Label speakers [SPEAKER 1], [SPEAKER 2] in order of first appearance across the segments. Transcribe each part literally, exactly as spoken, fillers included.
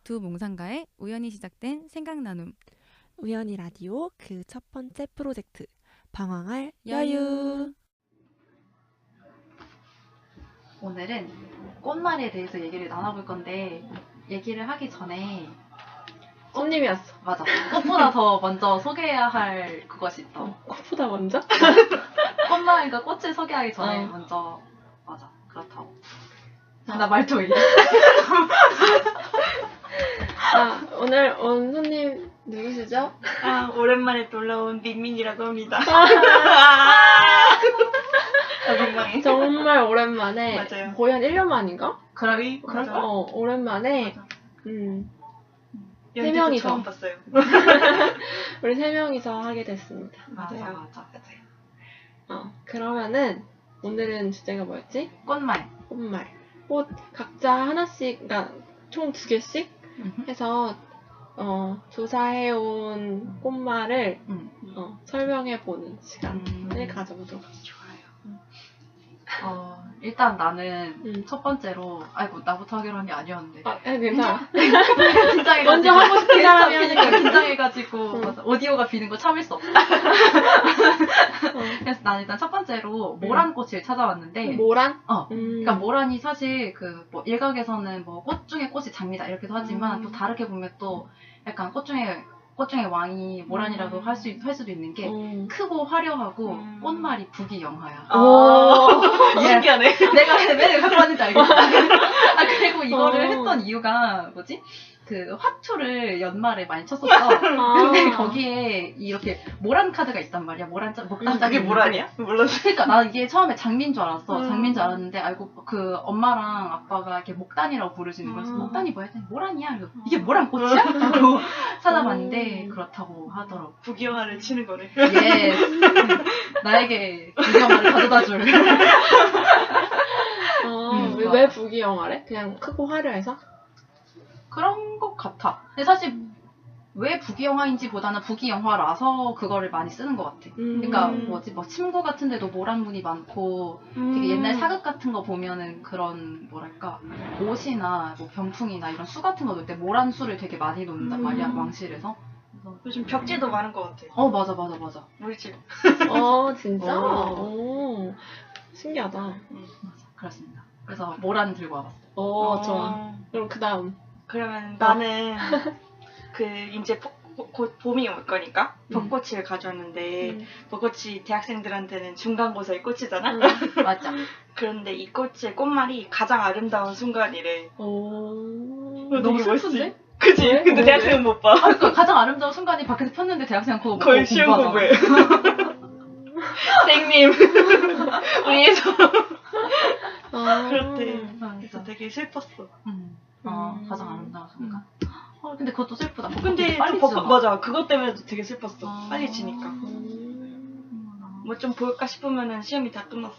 [SPEAKER 1] 두 몽상가의 우연히 시작된 생각나눔.
[SPEAKER 2] 우연히 라디오 그 첫 번째 프로젝트 방황할
[SPEAKER 1] 여유.
[SPEAKER 2] 여유.
[SPEAKER 3] 오늘은 꽃말에 대해서 얘기를 나눠볼 건데 얘기를 하기 전에
[SPEAKER 2] 손님이 왔어.
[SPEAKER 3] 맞아 꽃보다 더 먼저 소개해야 할 그것이 있어.
[SPEAKER 2] 꽃보다 먼저?
[SPEAKER 3] 꽃말과 꽃을 소개하기 전에
[SPEAKER 2] 어.
[SPEAKER 3] 먼저 맞아 그렇다고. 나 말도 왜 이래?
[SPEAKER 2] 아, 오늘 온 손님 누구시죠?
[SPEAKER 4] 아, 오랜만에 놀러온 민민이라고 합니다. 아, 민망해.
[SPEAKER 2] 정말 오랜만에.
[SPEAKER 4] 맞아요.
[SPEAKER 2] 거의 한 일 년 만인가?
[SPEAKER 3] 그러기
[SPEAKER 4] 맞아.
[SPEAKER 2] 어, 오랜만에.
[SPEAKER 4] 맞아.
[SPEAKER 2] 음, 세
[SPEAKER 4] 연지도
[SPEAKER 2] 명이서.
[SPEAKER 4] 처음 봤어요.
[SPEAKER 2] 우리 세 명이서 하게 됐습니다.
[SPEAKER 3] 맞아
[SPEAKER 4] 맞아요.
[SPEAKER 3] 맞아
[SPEAKER 4] 맞아요.
[SPEAKER 2] 어, 그러면은 오늘은 주제가 뭐였지?
[SPEAKER 3] 꽃말.
[SPEAKER 2] 꽃말. 꽃 각자 하나씩, 그러니까 총 두 개씩 해서 어, 조사해온 꽃말을
[SPEAKER 3] 음.
[SPEAKER 2] 어, 설명해보는 시간을
[SPEAKER 3] 음.
[SPEAKER 2] 가져보도록 하죠.
[SPEAKER 4] 좋아요.
[SPEAKER 3] 어 일단 나는
[SPEAKER 2] 음.
[SPEAKER 3] 첫 번째로 아이고 나부터 하기로 한 게 아니었는데
[SPEAKER 2] 아, 아, 괜찮아.
[SPEAKER 3] 긴장해가지고
[SPEAKER 2] 먼저 하고 싶은 사람이
[SPEAKER 3] 하니까
[SPEAKER 2] 하니까.
[SPEAKER 3] 긴장해가지고
[SPEAKER 2] 응.
[SPEAKER 3] 맞아. 오디오가 비는 거 참을 수 없어.
[SPEAKER 2] 어.
[SPEAKER 3] 그래서 난 일단 첫 번째로 모란꽃을 찾아왔는데
[SPEAKER 2] 모란?
[SPEAKER 3] 어
[SPEAKER 2] 음.
[SPEAKER 3] 그러니까 모란이 사실 그 뭐 일각에서는 뭐 꽃 중에 꽃이 장미다 이렇게도 하지만
[SPEAKER 2] 음.
[SPEAKER 3] 또 다르게 보면 또 약간 꽃 중에 꽃 중에 왕이 모란이라도
[SPEAKER 4] 음.
[SPEAKER 3] 할 수 할 수도 있는 게
[SPEAKER 2] 음.
[SPEAKER 3] 크고 화려하고
[SPEAKER 4] 음.
[SPEAKER 3] 꽃말이 부귀영화야.
[SPEAKER 4] 아,
[SPEAKER 3] 예.
[SPEAKER 4] 신기하네.
[SPEAKER 3] 내가 왜 갖고 왔는지 알겠어. 아 그리고 이거를
[SPEAKER 2] 어.
[SPEAKER 3] 했던 이유가 뭐지? 그 화투를 연말에 많이 쳤었어.
[SPEAKER 2] 아.
[SPEAKER 3] 근데 거기에 이렇게 모란 카드가 있단 말이야. 모란 짝 목단 짝이
[SPEAKER 4] 이게 뭐라냐? 몰랐어.
[SPEAKER 3] 그러니까 나 이게 처음에 장미인 줄 알았어.
[SPEAKER 2] 음.
[SPEAKER 3] 장미인 줄 알았는데 알고 그 엄마랑 아빠가 이렇게 목단이라고 부르시는 거였어.
[SPEAKER 4] 음.
[SPEAKER 3] 목단이 뭐야? 했더니 모란이야. 그래서 이게 모란 꽃이야? 하고 찾아봤는데
[SPEAKER 2] 음.
[SPEAKER 3] 그렇다고 하더라고.
[SPEAKER 4] 부귀영화를 치는 거네.
[SPEAKER 3] 예. 나에게 부귀영화를 가져다 줄.
[SPEAKER 2] 어,
[SPEAKER 3] 음,
[SPEAKER 2] 왜,
[SPEAKER 3] 맞아.
[SPEAKER 2] 왜 부귀영화래? 그냥 크고 화려해서?
[SPEAKER 3] 그런 것 같아. 근데 사실 왜 부귀영화인지보다는 부귀영화라서 그거를 많이 쓰는 것 같아.
[SPEAKER 2] 음.
[SPEAKER 3] 그러니까 뭐지 뭐 침구 같은 데도 모란문이 많고 되게 옛날 사극 같은 거 보면은 그런 뭐랄까 옷이나 뭐 병풍이나 이런 수 같은 거 놓을 때 모란 수를 되게 많이 놓는단
[SPEAKER 2] 음.
[SPEAKER 3] 말이야 왕실에서.
[SPEAKER 4] 요즘 벽지도 많은 것 같아.
[SPEAKER 3] 어 맞아 맞아 맞아.
[SPEAKER 4] 우리 집.
[SPEAKER 2] 어, 진짜?
[SPEAKER 3] 어.
[SPEAKER 2] 오, 신기하다.
[SPEAKER 3] 맞아 그렇습니다. 그래서 모란 들고 와봤어.
[SPEAKER 2] 어, 좋아. 그럼 그 다음.
[SPEAKER 4] 그러면 나는 그 이제 벚- 곧 봄이 올 거니까 벚꽃을 가져왔는데
[SPEAKER 2] 음.
[SPEAKER 4] 벚꽃이 대학생들한테는 중간고사의 꽃이잖아.
[SPEAKER 2] 음.
[SPEAKER 3] 맞아.
[SPEAKER 4] 그런데 이 꽃의 꽃말이 가장 아름다운 순간이래.
[SPEAKER 2] 오.
[SPEAKER 4] 어,
[SPEAKER 2] 너무
[SPEAKER 4] 되게
[SPEAKER 2] 슬픈데?
[SPEAKER 4] 멋있지? 그치?
[SPEAKER 2] 왜?
[SPEAKER 4] 근데
[SPEAKER 2] 왜?
[SPEAKER 4] 대학생은 못 봐.
[SPEAKER 3] 그러니까 가장 아름다운 순간이 밖에서 폈는데 대학생 그거
[SPEAKER 4] 거의
[SPEAKER 3] 보고
[SPEAKER 4] 시험
[SPEAKER 3] 공부하잖아.
[SPEAKER 4] 공부해. 선생님, 위에서
[SPEAKER 2] 아.
[SPEAKER 4] 그렇대.
[SPEAKER 3] 맞아.
[SPEAKER 4] 그래서 되게 슬펐어.
[SPEAKER 3] 음. 어,
[SPEAKER 2] 음.
[SPEAKER 3] 가장 아름다운 순간. 어, 근데 그것도 슬프다.
[SPEAKER 4] 근데
[SPEAKER 3] 빨리
[SPEAKER 4] 또
[SPEAKER 3] 지잖아.
[SPEAKER 4] 벚꽃, 맞아. 그것 때문에도 되게 슬펐어.
[SPEAKER 3] 아.
[SPEAKER 4] 빨리 지니까.
[SPEAKER 2] 음.
[SPEAKER 4] 뭐 좀 볼까 싶으면은 시험이 다 끝났어.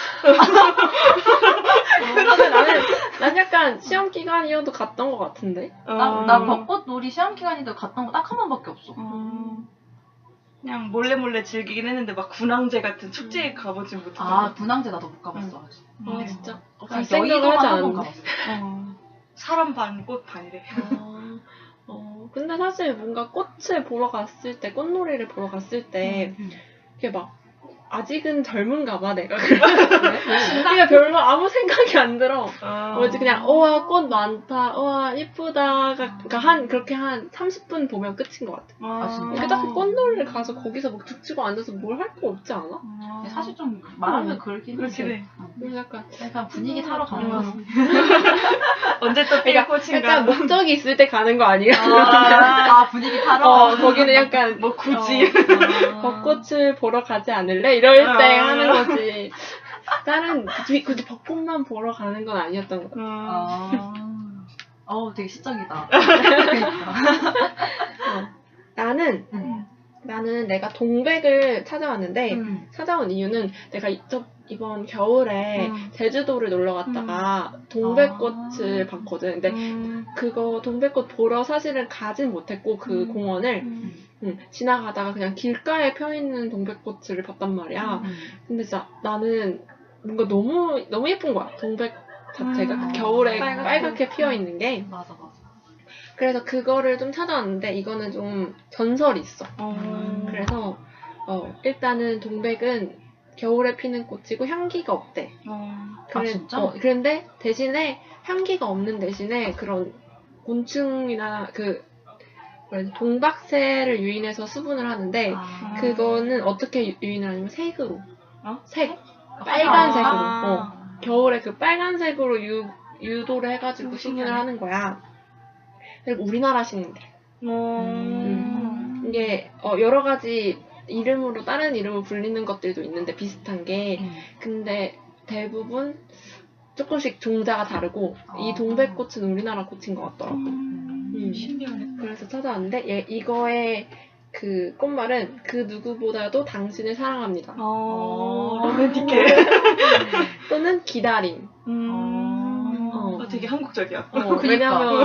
[SPEAKER 2] 근데 나는, 난 약간 시험 기간이어도 갔던 것 같은데?
[SPEAKER 3] 나, 나 벚꽃 놀이 시험 기간인데 갔던 거 딱 한 번밖에 없어.
[SPEAKER 4] 음, 그냥 몰래 몰래 즐기긴 했는데 막 군항제 같은 축제에 가보진 못했던
[SPEAKER 3] 아,
[SPEAKER 4] 것 같아.
[SPEAKER 3] 분황제 나도 못 가봤어. 아직.
[SPEAKER 2] 아,
[SPEAKER 4] 음.
[SPEAKER 2] 진짜? 어,
[SPEAKER 3] 그냥
[SPEAKER 2] 갈 생각을
[SPEAKER 3] 여의도만
[SPEAKER 2] 하지
[SPEAKER 3] 한 번
[SPEAKER 2] 않았는데.
[SPEAKER 3] 가봤어.
[SPEAKER 4] 어, 사람 반, 꽃 반이래.
[SPEAKER 2] 어, 어, 근데 사실 뭔가 꽃을 보러 갔을 때, 꽃놀이를 보러 갔을 때,
[SPEAKER 3] 음.
[SPEAKER 2] 이게 막, 아직은 젊은가 봐, 내가. 그러니까 별로 아무 생각이 안 들어.
[SPEAKER 4] 아.
[SPEAKER 2] 뭐지, 그냥, 우와, 꽃 많다, 우와, 이쁘다. 그러니까 한, 그렇게 한 삼십 분 보면 끝인 것 같아.
[SPEAKER 3] 아, 진짜?
[SPEAKER 2] 이렇게 딱 꽃놀이를 가서 거기서 막 죽치고 앉아서 뭘 할 거 없지 않아?
[SPEAKER 4] 아.
[SPEAKER 3] 근데 사실 좀 말하면
[SPEAKER 2] 음.
[SPEAKER 3] 그렇긴
[SPEAKER 4] 그렇긴
[SPEAKER 3] 해.
[SPEAKER 4] 해.
[SPEAKER 3] 어.
[SPEAKER 2] 그래서 약간,
[SPEAKER 3] 약간 분위기 타러 가는
[SPEAKER 2] 음.
[SPEAKER 3] 거지.
[SPEAKER 4] 언제 또 삐
[SPEAKER 2] 그러니까
[SPEAKER 4] 꽃인가?
[SPEAKER 2] 약간 목적이 있을 때 가는 거 아니야?
[SPEAKER 3] 아, 아, 분위기 타러?
[SPEAKER 2] 어, 거기는 약간,
[SPEAKER 4] 뭐 굳이.
[SPEAKER 3] 어.
[SPEAKER 2] 벚꽃을 보러 가지 않을래? 이럴 때
[SPEAKER 4] 아.
[SPEAKER 2] 하는 거지. 다른, 굳이, 굳이 벚꽃만 보러 가는 건 아니었던 것 같아.
[SPEAKER 4] 음.
[SPEAKER 3] 아. 어우, 되게 시적이다. 그러니까.
[SPEAKER 2] 어. 나는,
[SPEAKER 3] 음.
[SPEAKER 2] 나는 내가 동백을 찾아왔는데,
[SPEAKER 3] 음.
[SPEAKER 2] 찾아온 이유는 내가 이, 저, 이번 겨울에
[SPEAKER 4] 음.
[SPEAKER 2] 제주도를 놀러 갔다가 동백꽃을
[SPEAKER 3] 아.
[SPEAKER 2] 봤거든. 근데
[SPEAKER 4] 음.
[SPEAKER 2] 그거 동백꽃 보러 사실은 가진 못했고 그
[SPEAKER 4] 음.
[SPEAKER 2] 공원을
[SPEAKER 4] 음.
[SPEAKER 2] 응, 지나가다가 그냥 길가에 펴있는 동백꽃을 봤단 말이야.
[SPEAKER 3] 음.
[SPEAKER 2] 근데 진짜 나는 뭔가 너무 너무 예쁜 거야. 동백 자체가
[SPEAKER 4] 음.
[SPEAKER 2] 그 겨울에
[SPEAKER 4] 빨갛게.
[SPEAKER 2] 빨갛게, 피어 있는 게.
[SPEAKER 3] 맞아, 맞아.
[SPEAKER 2] 그래서 그거를 좀 찾아왔는데 이거는 좀 전설이 있어.
[SPEAKER 4] 어.
[SPEAKER 2] 그래서 어, 일단은 동백은 겨울에 피는 꽃이고 향기가 없대.
[SPEAKER 4] 어.
[SPEAKER 3] 아, 진짜?
[SPEAKER 2] 어, 그런데 대신에 향기가 없는 대신에 그런 곤충이나 그 뭐라 동박새를 유인해서 수분을 하는데
[SPEAKER 3] 아.
[SPEAKER 2] 그거는 어떻게 유- 유인을 하냐면 색으로.
[SPEAKER 4] 어?
[SPEAKER 2] 색. 빨간색으로.
[SPEAKER 4] 아.
[SPEAKER 2] 어. 겨울에 그 빨간색으로 유, 유도를 해가지고
[SPEAKER 4] 음,
[SPEAKER 2] 수분을
[SPEAKER 4] 신기하네.
[SPEAKER 2] 하는 거야. 그리고 우리나라 식물들.
[SPEAKER 4] 음.
[SPEAKER 2] 이게 어, 여러 가지 이름으로 다른 이름으로 불리는 것들도 있는데 비슷한 게
[SPEAKER 3] 음.
[SPEAKER 2] 근데 대부분 조금씩 종자가 다르고
[SPEAKER 3] 아.
[SPEAKER 2] 이 동백꽃은 우리나라 꽃인 것 같더라고.
[SPEAKER 4] 음.
[SPEAKER 2] 음.
[SPEAKER 4] 신기하네.
[SPEAKER 2] 그래서 찾아왔는데 얘, 이거의 그 꽃말은 그 누구보다도 당신을 사랑합니다.
[SPEAKER 4] 어.
[SPEAKER 3] 어.
[SPEAKER 4] 로맨틱해.
[SPEAKER 2] 또는 기다림.
[SPEAKER 4] 음.
[SPEAKER 2] 어.
[SPEAKER 4] 어, 되게 한국적이야.
[SPEAKER 2] 어,
[SPEAKER 3] 그니까.
[SPEAKER 2] 왜냐면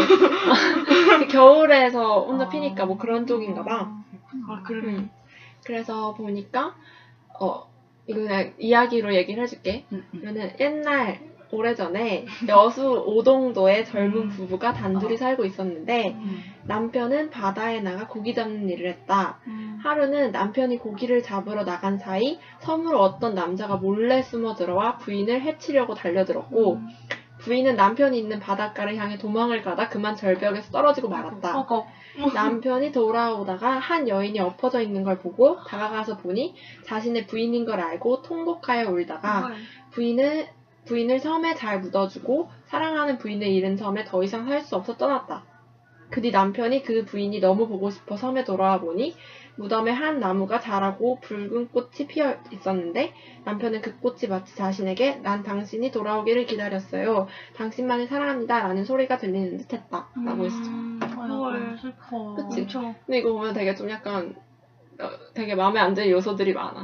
[SPEAKER 2] 겨울에서 혼자 피니까 뭐 그런 쪽인가 봐.
[SPEAKER 4] 아, 그래.
[SPEAKER 2] 음. 그래서 보니까 어 이거 그냥 이야기로 얘기를 해줄게.
[SPEAKER 3] 음, 음.
[SPEAKER 2] 그러면은 옛날 오래전에 여수 오동도에 젊은
[SPEAKER 4] 음.
[SPEAKER 2] 부부가 단둘이
[SPEAKER 3] 어.
[SPEAKER 2] 살고 있었는데
[SPEAKER 3] 음.
[SPEAKER 2] 남편은 바다에 나가 고기 잡는 일을 했다.
[SPEAKER 4] 음.
[SPEAKER 2] 하루는 남편이 고기를 잡으러 나간 사이 섬으로 어떤 남자가 몰래 숨어 들어와 부인을 해치려고 달려들었고
[SPEAKER 4] 음.
[SPEAKER 2] 부인은 남편이 있는 바닷가를 향해 도망을 가다 그만 절벽에서 떨어지고 말았다.
[SPEAKER 3] 어거.
[SPEAKER 2] 남편이 돌아오다가 한 여인이 엎어져 있는 걸 보고 다가가서 보니 자신의 부인인 걸 알고 통곡하여 울다가 부인을, 부인을 섬에 잘 묻어주고 사랑하는 부인을 잃은 섬에 더 이상 살 수 없어 떠났다. 그 뒤 남편이 그 부인이 너무 보고 싶어 섬에 돌아와 보니 무덤에 한 나무가 자라고 붉은 꽃이 피어 있었는데 남편은 그 꽃이 마치 자신에게 난 당신이 돌아오기를 기다렸어요. 당신만을 사랑합니다. 라는 소리가 들리는 듯 했다. 라고 했어.
[SPEAKER 4] 헐, 슬퍼.
[SPEAKER 2] 그치?
[SPEAKER 4] 엄청.
[SPEAKER 2] 근데 이거 보면 되게 좀 약간 어, 되게 마음에 안 드는 요소들이 많아.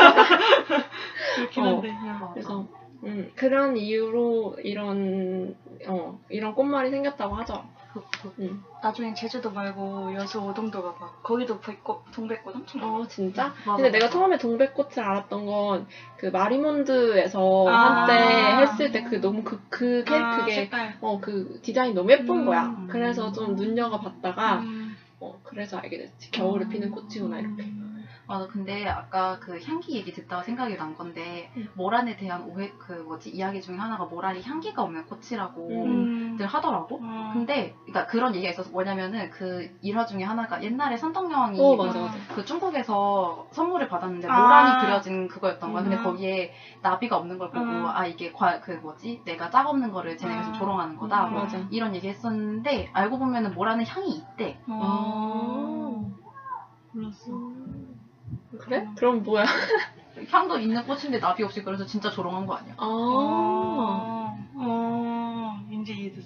[SPEAKER 4] 그렇긴
[SPEAKER 2] 어.
[SPEAKER 4] 한데. 그냥.
[SPEAKER 2] 그래서 음, 그런 이유로 이런 어, 이런 꽃말이 생겼다고 하죠. 음.
[SPEAKER 4] 나중에 제주도 말고 여수 오동도 가봐. 거기도 백꽃, 동백꽃 엄청 많아.
[SPEAKER 2] 어 진짜?
[SPEAKER 3] 맞아,
[SPEAKER 2] 근데 내가
[SPEAKER 3] 맞아.
[SPEAKER 2] 처음에 동백꽃을 알았던 건 그 마리몬드에서
[SPEAKER 4] 아.
[SPEAKER 2] 한때 했을 때 그 너무 그, 그 캐,
[SPEAKER 4] 아,
[SPEAKER 2] 그게
[SPEAKER 4] 색깔.
[SPEAKER 2] 어 그 디자인이 너무 예쁜
[SPEAKER 4] 음.
[SPEAKER 2] 거야. 그래서 좀 눈여겨 봤다가
[SPEAKER 4] 음.
[SPEAKER 2] 어 그래서 알게 됐지. 겨울에 피는 꽃이구나 이렇게.
[SPEAKER 3] 맞아. 근데 아까 그 향기 얘기 듣다가 생각이 난 건데
[SPEAKER 2] 음.
[SPEAKER 3] 모란에 대한 오해 그 뭐지 이야기 중에 하나가 모란이 향기가 없는 꽃이라고
[SPEAKER 2] 음.
[SPEAKER 3] 들 하더라고.
[SPEAKER 4] 음.
[SPEAKER 3] 근데 그러니까 그런 얘기가 있어서 뭐냐면은 그 일화 중에 하나가 옛날에 선덕여왕이
[SPEAKER 2] 어 맞아 맞아.
[SPEAKER 3] 그 중국에서 선물을 받았는데
[SPEAKER 4] 아.
[SPEAKER 3] 모란이 그려진 그거였던 거야. 근데
[SPEAKER 4] 음.
[SPEAKER 3] 거기에 나비가 없는 걸 보고
[SPEAKER 4] 음.
[SPEAKER 3] 아 이게 과, 그 뭐지 내가 짝 없는 거를 쟤네가 좀
[SPEAKER 4] 음.
[SPEAKER 3] 조롱하는 거다.
[SPEAKER 4] 음.
[SPEAKER 3] 뭐
[SPEAKER 2] 맞아.
[SPEAKER 3] 이런 얘기 했었는데 알고 보면은 모란은 향이 있대.
[SPEAKER 4] 아. 몰랐어.
[SPEAKER 2] 그래? 그럼 뭐야?
[SPEAKER 3] 향도 있는 꽃인데 나비 없이 그래서 진짜 조롱한 거 아니야?
[SPEAKER 2] 아.
[SPEAKER 4] 어. 어. 이제 이해됐어.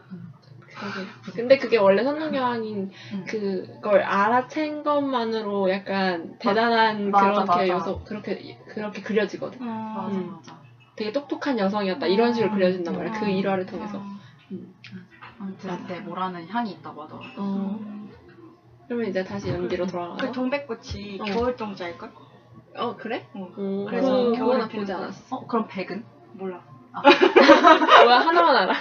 [SPEAKER 2] 그러게. 근데 그게 원래 선동여왕인
[SPEAKER 3] 응.
[SPEAKER 2] 그걸 알아챈 것만으로 약간 대단한
[SPEAKER 3] 맞아,
[SPEAKER 2] 그렇게
[SPEAKER 3] 맞아.
[SPEAKER 2] 요소 그렇게 그렇게 그려지거든.
[SPEAKER 4] 어.
[SPEAKER 3] 맞아
[SPEAKER 2] 음.
[SPEAKER 3] 맞아.
[SPEAKER 2] 되게 똑똑한 여성이었다 이런 식으로 그려진단 말이야. 그
[SPEAKER 4] 음.
[SPEAKER 2] 일화를 통해서.
[SPEAKER 4] 음.
[SPEAKER 3] 아무튼
[SPEAKER 2] 맞아.
[SPEAKER 3] 네, 모란은 향이 있다고 하더라고.
[SPEAKER 2] 어. 그러면 이제 다시 연기로
[SPEAKER 4] 그
[SPEAKER 2] 돌아가서.
[SPEAKER 4] 동백꽃이
[SPEAKER 2] 어.
[SPEAKER 4] 겨울 동자일걸?
[SPEAKER 2] 어 그래?
[SPEAKER 4] 어.
[SPEAKER 2] 어,
[SPEAKER 4] 그래서
[SPEAKER 2] 그래서
[SPEAKER 4] 겨울에
[SPEAKER 2] 그거나
[SPEAKER 4] 피는
[SPEAKER 2] 보지
[SPEAKER 4] 거.
[SPEAKER 2] 않았어.
[SPEAKER 3] 어 그럼 백은?
[SPEAKER 4] 몰라.
[SPEAKER 2] 뭐야 하나만 알아.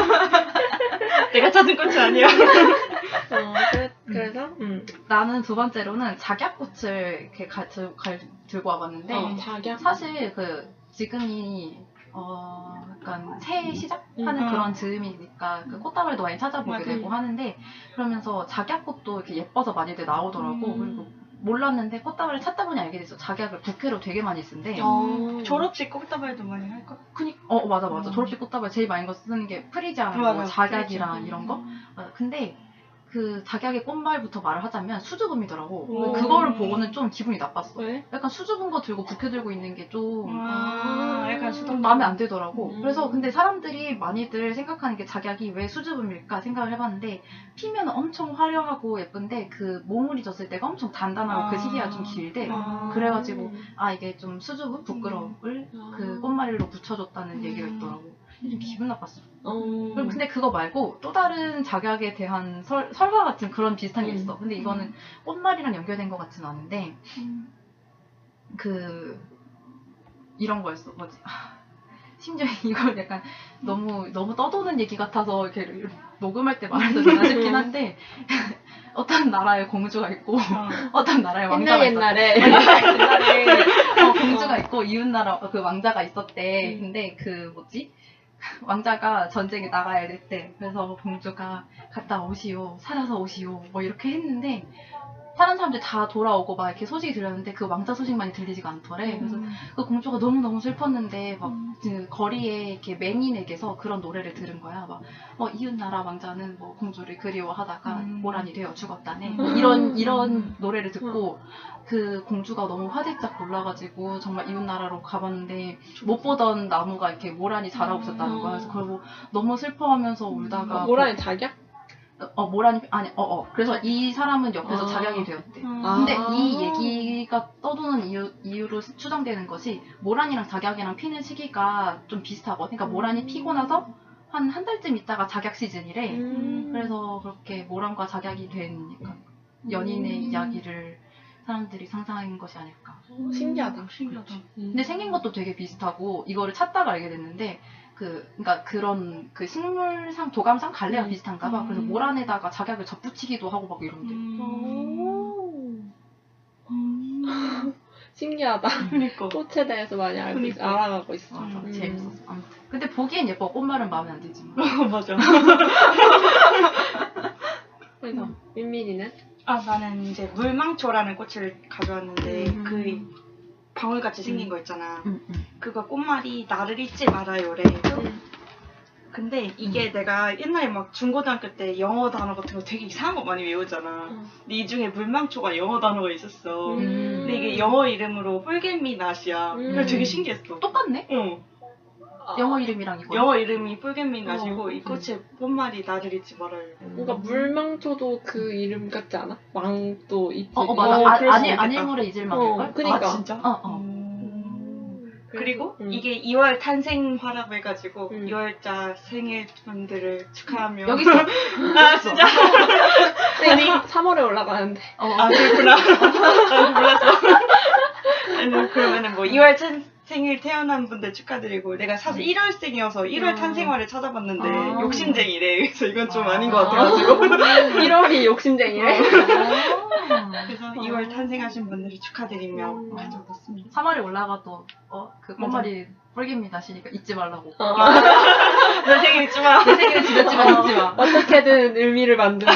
[SPEAKER 4] 내가 찾은 꽃이 아니야.
[SPEAKER 2] 어 그래, 그래서 음.
[SPEAKER 3] 나는 두 번째로는 작약꽃을 이렇게 가, 들, 가, 들고 와봤는데
[SPEAKER 2] 어 자기야.
[SPEAKER 3] 사실 그 지금이 어 약간 새해 시작하는
[SPEAKER 4] 음.
[SPEAKER 3] 그런 즈음이니까 그 꽃다발도 많이 찾아보게
[SPEAKER 4] 맞아.
[SPEAKER 3] 되고 하는데 그러면서 작약꽃도 이렇게 예뻐서 많이들 나오더라고.
[SPEAKER 4] 음.
[SPEAKER 3] 그리고 몰랐는데 꽃다발을 찾다 보니 알게 됐어. 작약을 부케로 되게 많이 쓴대.
[SPEAKER 2] 어.
[SPEAKER 4] 졸업식 꽃다발도 많이 할걸?
[SPEAKER 3] 그니, 어 맞아 맞아.
[SPEAKER 4] 음.
[SPEAKER 3] 졸업식 꽃다발 제일 많이 거 쓰는 게 프리지아나
[SPEAKER 4] 맞아,
[SPEAKER 3] 뭐 작약이랑
[SPEAKER 4] 프리지아.
[SPEAKER 3] 이런 거. 어, 근데 그 작약의 꽃말부터 말을 하자면 수줍음이더라고.
[SPEAKER 2] 오.
[SPEAKER 3] 그거를 보고는 좀 기분이 나빴어.
[SPEAKER 2] 왜?
[SPEAKER 3] 약간 수줍은 거 들고 부케 들고 있는 게 좀
[SPEAKER 4] 아, 약간 수동
[SPEAKER 3] 마음에 안 들더라고.
[SPEAKER 2] 음.
[SPEAKER 3] 그래서 근데 사람들이 많이들 생각하는 게 작약이 왜 수줍음일까 생각을 해봤는데 피면 엄청 화려하고 예쁜데 그 모물이 졌을 때가 엄청 단단하고
[SPEAKER 4] 아.
[SPEAKER 3] 그 시기가 좀 길대.
[SPEAKER 4] 아.
[SPEAKER 3] 그래가지고 아 이게 좀 수줍음, 부끄러움을
[SPEAKER 2] 음.
[SPEAKER 3] 그 꽃말로 붙여줬다는
[SPEAKER 4] 음.
[SPEAKER 3] 얘기가 있더라고. 좀 기분 나빴어.
[SPEAKER 2] 어.
[SPEAKER 3] 그럼 근데 그거 말고 또 다른 작약에 대한 설, 설화 같은 그런 비슷한 게
[SPEAKER 2] 음.
[SPEAKER 3] 있어. 근데 이거는 꽃말이랑 연결된 것 같진 않은데
[SPEAKER 4] 음.
[SPEAKER 3] 그 이런 거였어. 뭐지? 심지어 이걸 약간 너무 너무 떠도는 얘기 같아서 이렇게 녹음할 때 말해도 되나 싶긴 한데 어떤 나라에 공주가 있고 어떤 나라에 왕자가
[SPEAKER 2] 옛날
[SPEAKER 3] 있었대.
[SPEAKER 2] 옛날에
[SPEAKER 3] 옛날에 어, 공주가 있고 이웃나라 그 왕자가 있었대.
[SPEAKER 2] 음.
[SPEAKER 3] 근데 그 뭐지? 왕자가 전쟁에 나가야 됐대. 그래서 공주가 갔다 오시오, 살아서 오시오, 뭐 이렇게 했는데 다른 사람들 다 돌아오고 막 이렇게 소식이 들렸는데 그 왕자 소식만이 들리지가 않더래. 그래서 그 공주가 너무 너무 슬펐는데 막 그 거리에 이렇게 맹인에게서 그런 노래를 들은 거야. 막 어, 이웃나라 왕자는 뭐 공주를 그리워하다가
[SPEAKER 4] 음.
[SPEAKER 3] 모란이 되어 죽었다네. 뭐 이런 이런 노래를 듣고 그 공주가 너무 화들짝 놀라가지고 정말 이웃나라로 가봤는데 못 보던 나무가 이렇게 모란이 자라고 있었다는 거야. 그래서 그걸 뭐 너무 슬퍼하면서 울다가
[SPEAKER 2] 모란이 자기야?
[SPEAKER 3] 어 모란이 아니 어어 그래서 이 사람은 옆에서
[SPEAKER 2] 아.
[SPEAKER 3] 작약이 되었대.
[SPEAKER 2] 아.
[SPEAKER 3] 근데 이 얘기가 떠도는 이유, 이유로 추정되는 것이 모란이랑 작약이랑 피는 시기가 좀 비슷하거든. 그러니까 모란이 피고 나서 한 한 달쯤 있다가 작약 시즌이래.
[SPEAKER 2] 음.
[SPEAKER 3] 그래서 그렇게 모란과 작약이 된 약간 연인의
[SPEAKER 2] 음.
[SPEAKER 3] 이야기를 사람들이 상상한 것이 아닐까.
[SPEAKER 2] 신기하다.
[SPEAKER 4] 신기하다.
[SPEAKER 3] 근데 생긴 것도 되게 비슷하고 이거를 찾다가 알게 됐는데 그 그러니까 그런 그 식물상 도감상 갈래와
[SPEAKER 2] 음.
[SPEAKER 3] 비슷한가 봐. 그래서
[SPEAKER 4] 음.
[SPEAKER 3] 모란에다가 작약을 접붙이기도 하고 막 이런데.
[SPEAKER 2] 오.
[SPEAKER 4] 음.
[SPEAKER 2] 신기하다.
[SPEAKER 4] 그니까.
[SPEAKER 2] 꽃에 대해서 많이 알고 있,
[SPEAKER 4] 그러니까.
[SPEAKER 2] 알아가고 있어.
[SPEAKER 3] 맞아,
[SPEAKER 2] 음.
[SPEAKER 3] 재밌었어. 아무튼. 근데 보기엔 예뻐. 꽃말은 마음에 안 들지만.
[SPEAKER 4] 맞아.
[SPEAKER 2] 그래서 민민이는?
[SPEAKER 4] 아, 나는 이제 물망초라는 꽃을 가져왔는데
[SPEAKER 2] 음.
[SPEAKER 4] 그 방울같이 생긴 거 있잖아.
[SPEAKER 3] 응, 응.
[SPEAKER 4] 그거 꽃말이 나를 잊지 말아요래. 근데 이게 내가 옛날에 막 중고등학교 때 영어 단어 같은 거 되게 이상한 거 많이 외우잖아.
[SPEAKER 2] 음.
[SPEAKER 4] 근데 이 중에 물망초가 영어 단어가 있었어.
[SPEAKER 2] 음.
[SPEAKER 4] 근데 이게 영어 이름으로 폴겟미낫이야.
[SPEAKER 2] 음.
[SPEAKER 4] 그래서 되게 신기했어.
[SPEAKER 3] 똑같네?
[SPEAKER 4] 응.
[SPEAKER 3] 영어 이름이랑 이거.
[SPEAKER 4] 영어 이름이 폴겟미낫이고
[SPEAKER 2] 어.
[SPEAKER 4] 이 꽃의 꽃말이 나를 잊지 말아요.
[SPEAKER 2] 뭔가 물망초도 그 이름 같지 않아? 왕도 잎이.
[SPEAKER 3] 어, 어 맞아.
[SPEAKER 4] 어,
[SPEAKER 3] 아,
[SPEAKER 4] 그럴 수
[SPEAKER 3] 아닐,
[SPEAKER 4] 있겠다.
[SPEAKER 3] 아닐물에 잊을 만일걸?
[SPEAKER 2] 어, 그니까.
[SPEAKER 4] 아, 진짜?
[SPEAKER 3] 어, 어.
[SPEAKER 4] 음.
[SPEAKER 2] 그리고
[SPEAKER 4] 그리고 이게 이월 탄생화라고 해가지고
[SPEAKER 2] 음.
[SPEAKER 4] 이월자 생일분들을 축하하며
[SPEAKER 3] 여기 있어.
[SPEAKER 4] 아 진짜?
[SPEAKER 2] 아니 삼월에 올라가는데.
[SPEAKER 3] 어,
[SPEAKER 4] 아 그렇구나. 난 몰랐어. 아니 그러면은 뭐 이월 탄 생일 태어난 분들 축하드리고 내가 사실 일월생이어서 일월
[SPEAKER 2] 아.
[SPEAKER 4] 탄생화를 찾아봤는데
[SPEAKER 3] 아.
[SPEAKER 4] 욕심쟁이래. 그래서 이건 좀
[SPEAKER 3] 아.
[SPEAKER 4] 아닌 것 같아가지고
[SPEAKER 2] 일월이 욕심쟁이래.
[SPEAKER 4] 그래서 이월 탄생하신 분들을 축하드리며
[SPEAKER 2] 음.
[SPEAKER 4] 가져왔습니다.
[SPEAKER 3] 삼월에 올라가도 어, 그 꽃말이 뿔깁니다 시니까 잊지 말라고.
[SPEAKER 2] 어.
[SPEAKER 4] 내 생일 잊지 마.
[SPEAKER 3] 내 생일은 지났지만 잊지 마.
[SPEAKER 2] 어떻게든 의미를 만드는.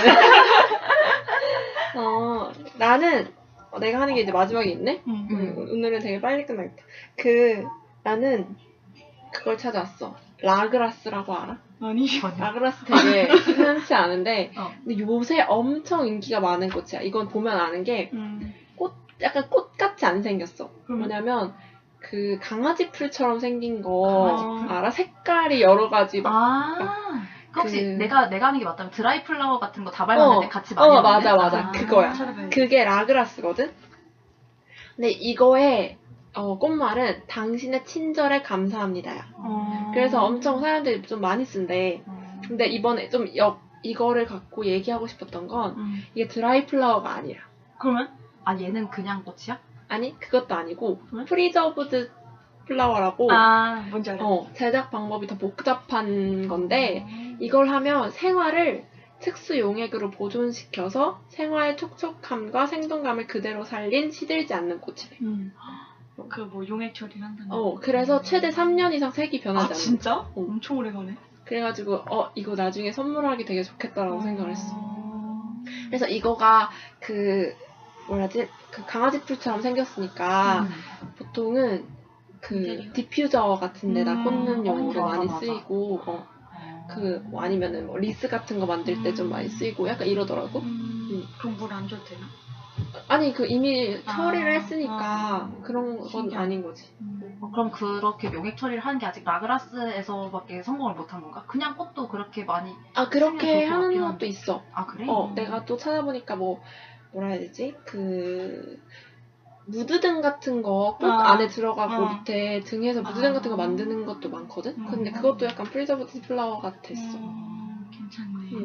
[SPEAKER 2] 어, 나는 어, 내가 하는 게 이제 마지막에 있네.
[SPEAKER 4] 응.
[SPEAKER 2] 음, 오늘은 되게 빨리 끝나겠다. 그 나는 그걸 찾아왔어. 라그라스라고 알아?
[SPEAKER 4] 아니.
[SPEAKER 2] 라그라스 되게 흔치 않은데
[SPEAKER 3] 어.
[SPEAKER 2] 근데 요새 엄청 인기가 많은 꽃이야. 이건 보면 아는 게
[SPEAKER 4] 음.
[SPEAKER 2] 약간 꽃같이 안 생겼어.
[SPEAKER 4] 그럼?
[SPEAKER 2] 뭐냐면 그 강아지 풀처럼 생긴 거
[SPEAKER 3] 강아지
[SPEAKER 4] 풀?
[SPEAKER 2] 알아? 색깔이 여러 가지 막
[SPEAKER 3] 아. 그 혹시
[SPEAKER 2] 그-
[SPEAKER 3] 내가 내가 하는 게 맞다면 드라이 플라워 같은 거 다발 만들 때
[SPEAKER 2] 어,
[SPEAKER 3] 같이 많이
[SPEAKER 2] 어,
[SPEAKER 3] 먹는?
[SPEAKER 2] 맞아, 맞아.
[SPEAKER 3] 아.
[SPEAKER 2] 그거야.
[SPEAKER 4] 찾아봐야지.
[SPEAKER 2] 그게 라그라스거든? 근데 이거의 어, 꽃말은 당신의 친절에 감사합니다야.
[SPEAKER 4] 어.
[SPEAKER 2] 그래서 엄청 사람들이 좀 많이 쓴대.
[SPEAKER 3] 음.
[SPEAKER 2] 근데 이번에 좀 역, 이거를 갖고 얘기하고 싶었던 건
[SPEAKER 4] 음.
[SPEAKER 2] 이게 드라이 플라워가 아니라.
[SPEAKER 4] 그러면?
[SPEAKER 3] 아 얘는 그냥 꽃이야?
[SPEAKER 2] 아니, 그것도 아니고
[SPEAKER 4] 왜?
[SPEAKER 2] 프리저브드 플라워라고
[SPEAKER 4] 아 뭔지 알아.
[SPEAKER 2] 어, 제작 방법이 더 복잡한 건데 이걸 하면 생화를 특수 용액으로 보존시켜서 생화의 촉촉함과 생동감을 그대로 살린 시들지 않는 꽃이래.
[SPEAKER 4] 음. 그 뭐 용액 처리한다는.
[SPEAKER 2] 어, 그래서 최대 삼 년 이상 색이 변하지
[SPEAKER 4] 아
[SPEAKER 2] 않는.
[SPEAKER 4] 진짜?
[SPEAKER 2] 어.
[SPEAKER 4] 엄청 오래 가네.
[SPEAKER 2] 그래가지고 어 이거 나중에 선물하기 되게 좋겠다라고 생각을 했어.
[SPEAKER 4] 어.
[SPEAKER 2] 그래서 이거가 그 뭐라지 그 강아지 풀처럼 생겼으니까
[SPEAKER 3] 음.
[SPEAKER 2] 보통은 그
[SPEAKER 4] 인테리어?
[SPEAKER 2] 디퓨저 같은 데다
[SPEAKER 4] 음,
[SPEAKER 2] 꽂는 용으로
[SPEAKER 3] 어, 맞아,
[SPEAKER 2] 많이
[SPEAKER 3] 맞아.
[SPEAKER 2] 쓰이고 어, 그 뭐 아니면은 뭐 리스 같은 거 만들 때 좀
[SPEAKER 4] 음.
[SPEAKER 2] 많이 쓰이고 약간 이러더라고.
[SPEAKER 4] 음.
[SPEAKER 2] 음.
[SPEAKER 4] 그럼 물 안 줘도 되나?
[SPEAKER 2] 아니 그 이미
[SPEAKER 4] 아,
[SPEAKER 2] 처리를 했으니까
[SPEAKER 4] 아,
[SPEAKER 2] 그런 건
[SPEAKER 4] 신기하다.
[SPEAKER 2] 아닌 거지.
[SPEAKER 3] 어, 그럼 그렇게 용액 처리를 하는 게 아직 라그라스에서밖에 성공을 못한 건가? 그냥 꽃도 그렇게 많이
[SPEAKER 2] 아 그렇게
[SPEAKER 3] 쓰면 좋을 것
[SPEAKER 2] 하는
[SPEAKER 3] 같긴
[SPEAKER 2] 것도
[SPEAKER 3] 한데.
[SPEAKER 2] 있어.
[SPEAKER 3] 아 그래?
[SPEAKER 2] 어
[SPEAKER 4] 음.
[SPEAKER 2] 내가 또 찾아보니까 뭐 뭐라 해야 되지 그 무드등 같은 거 꽃
[SPEAKER 4] 아,
[SPEAKER 2] 안에 들어가고
[SPEAKER 4] 어.
[SPEAKER 2] 밑에 등에서 무드등
[SPEAKER 3] 아.
[SPEAKER 2] 같은 거 만드는 것도 많거든.
[SPEAKER 4] 음.
[SPEAKER 2] 근데 그것도 약간 프리저브드 플라워 같았어.
[SPEAKER 4] 음, 괜찮네.
[SPEAKER 2] 음.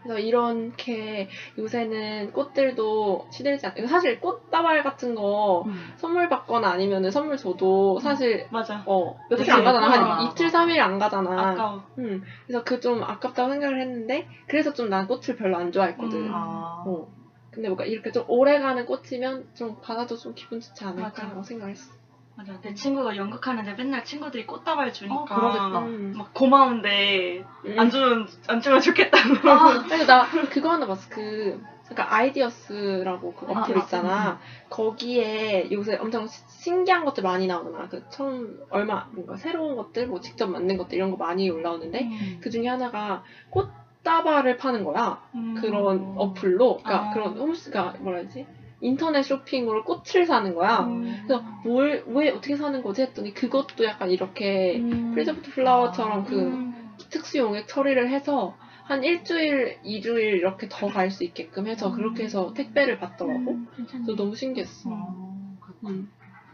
[SPEAKER 2] 그래서 이렇게 요새는 꽃들도 시들지 않, 사실 꽃다발 같은 거
[SPEAKER 3] 음.
[SPEAKER 2] 선물 받거나 아니면은 선물 줘도 사실
[SPEAKER 4] 맞아.
[SPEAKER 2] 어 며칠
[SPEAKER 4] 그치.
[SPEAKER 2] 안 가잖아. 한
[SPEAKER 3] 맞아.
[SPEAKER 2] 이틀 삼 일 안 가잖아.
[SPEAKER 4] 아까워.
[SPEAKER 2] 음, 그래서 그 좀 아깝다고 생각을 했는데 그래서 좀 난 꽃을 별로 안 좋아했거든.
[SPEAKER 4] 음.
[SPEAKER 3] 아.
[SPEAKER 2] 어. 근데 뭔가 이렇게 좀 오래가는 꽃이면 좀 받아도 좀 기분 좋지 않을까라고
[SPEAKER 4] 맞아.
[SPEAKER 2] 생각했어.
[SPEAKER 4] 맞아. 내 친구가 연극하는데 맨날 친구들이 꽃다발 주니까
[SPEAKER 3] 어, 그러겠다.
[SPEAKER 2] 음.
[SPEAKER 4] 막 고마운데
[SPEAKER 2] 음.
[SPEAKER 4] 안 주면 안 주면 좋겠다고.
[SPEAKER 3] 아,
[SPEAKER 2] 그래서 나 그거 하나 봤어. 그 그러니까 아이디어스라고 그
[SPEAKER 3] 아,
[SPEAKER 2] 어플
[SPEAKER 3] 아,
[SPEAKER 2] 있잖아. 거기에 요새 엄청 시- 신기한 것들 많이 나오잖아. 그 처음 얼마 뭔가 새로운 것들, 뭐 직접 만든 것들 이런 거 많이 올라오는데
[SPEAKER 3] 음.
[SPEAKER 2] 그 중에 하나가 꽃다발을 파는 거야.
[SPEAKER 4] 음.
[SPEAKER 2] 그런 어플로, 그러니까
[SPEAKER 4] 아.
[SPEAKER 2] 그런 홈스가 뭐라 해야지? 인터넷 쇼핑으로 꽃을 사는 거야.
[SPEAKER 4] 음.
[SPEAKER 2] 그래서 뭘 왜 어떻게 사는 거지 했더니 그것도 약간 이렇게
[SPEAKER 4] 음.
[SPEAKER 2] 프리저브드 플라워처럼 그
[SPEAKER 4] 음.
[SPEAKER 2] 특수 용액 처리를 해서 한 일주일, 이주일 이렇게 더 갈 수 있게끔 해서
[SPEAKER 4] 음.
[SPEAKER 2] 그렇게 해서 택배를 받더라고.
[SPEAKER 4] 음, 괜찮네.
[SPEAKER 2] 그래서 너무 신기했어.
[SPEAKER 3] 어, 그렇구나.
[SPEAKER 2] 음.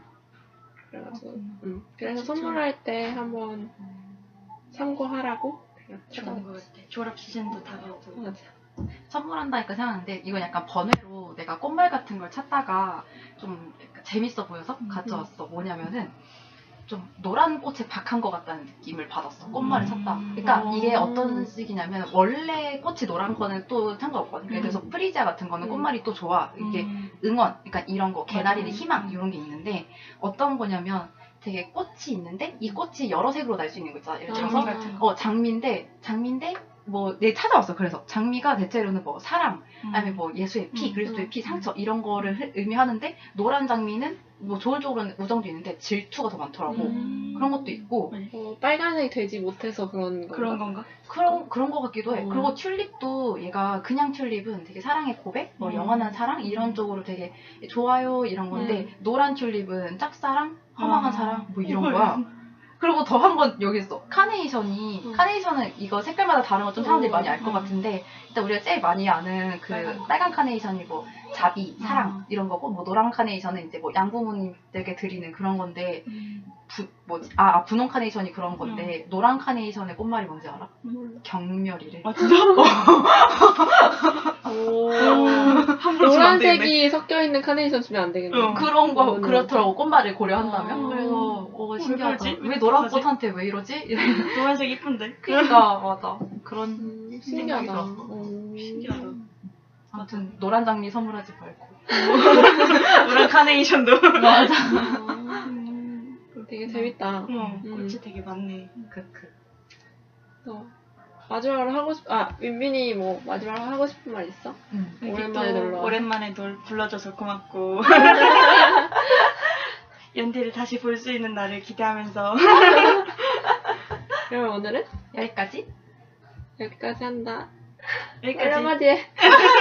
[SPEAKER 2] 그래가지고,
[SPEAKER 4] 그렇구나.
[SPEAKER 2] 음. 그래서
[SPEAKER 4] 진짜.
[SPEAKER 2] 선물할 때 한번 참고하라고.
[SPEAKER 4] 좋은 것 같아. 졸업 시즌도 다가오고.
[SPEAKER 2] 맞아.
[SPEAKER 3] 선물한다니까 생각하는데 이건 약간 번외로 내가 꽃말 같은 걸 찾다가 좀 약간 재밌어 보여서
[SPEAKER 4] 음.
[SPEAKER 3] 가져왔어. 뭐냐면은 좀 노란 꽃에 박한 것 같다는 느낌을 받았어. 꽃말을 찾다. 그러니까
[SPEAKER 2] 음.
[SPEAKER 3] 이게 어떤 식이냐면 원래 꽃이 노란 거는 또 상관없거든. 예를 들어서
[SPEAKER 2] 음.
[SPEAKER 3] 프리지아 같은 거는
[SPEAKER 2] 음.
[SPEAKER 3] 꽃말이 또 좋아. 이게
[SPEAKER 4] 음.
[SPEAKER 3] 응원, 그러니까 이런 거, 개나리의
[SPEAKER 4] 음.
[SPEAKER 3] 희망 이런 게 있는데 어떤 거냐면 되게 꽃이 있는데 이 꽃이 여러 색으로 날 수 있는 거 있잖아. 예를 들어서
[SPEAKER 4] 장미 같은 거.
[SPEAKER 3] 어 장미인데 장미인데 뭐 내 찾아왔어. 그래서 장미가 대체로는 뭐 사랑, 아니면 뭐 예수의 피,
[SPEAKER 4] 음.
[SPEAKER 3] 그리스도의 피, 상처 이런 거를 흐- 의미하는데 노란 장미는 뭐 좋은 쪽으로는 우정도 있는데 질투가 더 많더라고.
[SPEAKER 4] 음.
[SPEAKER 3] 그런 것도 있고
[SPEAKER 4] 네.
[SPEAKER 2] 어, 빨간색이 되지 못해서 그런 거.
[SPEAKER 4] 그런 건가?
[SPEAKER 3] 그런 그런 거 같기도 해.
[SPEAKER 2] 음.
[SPEAKER 3] 그리고 튤립도 얘가 그냥 튤립은 되게 사랑의 고백, 뭐
[SPEAKER 4] 음.
[SPEAKER 3] 영원한 사랑 이런 쪽으로 되게 좋아요 이런 건데
[SPEAKER 2] 음.
[SPEAKER 3] 노란 튤립은 짝사랑, 허망한
[SPEAKER 4] 아.
[SPEAKER 3] 사랑 뭐 이런
[SPEAKER 4] 헐.
[SPEAKER 3] 거야. 그리고 더 한 번 여기 있어. 카네이션이
[SPEAKER 2] 음.
[SPEAKER 3] 카네이션은 이거 색깔마다 다른 거 좀 사람들이
[SPEAKER 2] 음.
[SPEAKER 3] 많이 알 것
[SPEAKER 4] 음.
[SPEAKER 3] 같은데 일단 우리가 제일 많이 아는 그
[SPEAKER 4] 빨간
[SPEAKER 3] 빨간,
[SPEAKER 4] 거.
[SPEAKER 3] 카네이션이 뭐 자비, 사랑
[SPEAKER 4] 음.
[SPEAKER 3] 이런 거고 뭐 노란 카네이션은 이제 뭐 양부모님들에게 드리는 그런 건데
[SPEAKER 4] 음.
[SPEAKER 3] 부, 뭐지? 아, 아, 분홍 카네이션이 그런 건데 노란 카네이션의 꽃말이 뭔지 알아?
[SPEAKER 4] 음.
[SPEAKER 3] 경멸이래.
[SPEAKER 4] 아 진짜?
[SPEAKER 2] 오.
[SPEAKER 4] 함부로 주면 안 되겠네.
[SPEAKER 2] 노란색이 섞여 있는 카네이션 주면 안 되겠네.
[SPEAKER 4] 어.
[SPEAKER 3] 그런 거
[SPEAKER 2] 그거는
[SPEAKER 3] 그렇더라고. 꽃말을 고려한다면.
[SPEAKER 2] 아.
[SPEAKER 3] 그래서 어, 신기하다.
[SPEAKER 4] 왜 그러지?
[SPEAKER 3] 왜
[SPEAKER 4] 왜
[SPEAKER 3] 노란
[SPEAKER 4] 어떡하지?
[SPEAKER 3] 꽃한테 왜 이러지?
[SPEAKER 4] 노란색 이쁜데.
[SPEAKER 3] 그러니까 맞아. 그런
[SPEAKER 2] 음,
[SPEAKER 3] 생각이
[SPEAKER 2] 신기하다.
[SPEAKER 3] 들었어.
[SPEAKER 2] 음.
[SPEAKER 4] 신기하다.
[SPEAKER 3] 아무튼 노란 장미 선물하지 말고.
[SPEAKER 4] 노란 카네이션도.
[SPEAKER 3] 맞아.
[SPEAKER 2] 아,
[SPEAKER 4] 음.
[SPEAKER 2] 되게 재밌다.
[SPEAKER 4] 어,
[SPEAKER 2] 음.
[SPEAKER 4] 꽃이 되게 많네.
[SPEAKER 3] 크크.
[SPEAKER 2] 그래서 마지막으로 하고 싶, 아, 민민이 뭐 마지막으로 하고 싶은 말 있어?
[SPEAKER 3] 음.
[SPEAKER 4] 이렇게
[SPEAKER 2] 오랜만에
[SPEAKER 4] 또
[SPEAKER 2] 놀러 와.
[SPEAKER 4] 오랜만에 널 불러줘서 고맙고. 연디를 다시 볼 수 있는 날을 기대하면서.
[SPEAKER 2] 그러면 오늘은
[SPEAKER 3] 여기까지.
[SPEAKER 2] 여기까지 한다.
[SPEAKER 4] 여기까지.
[SPEAKER 2] 한마디 해.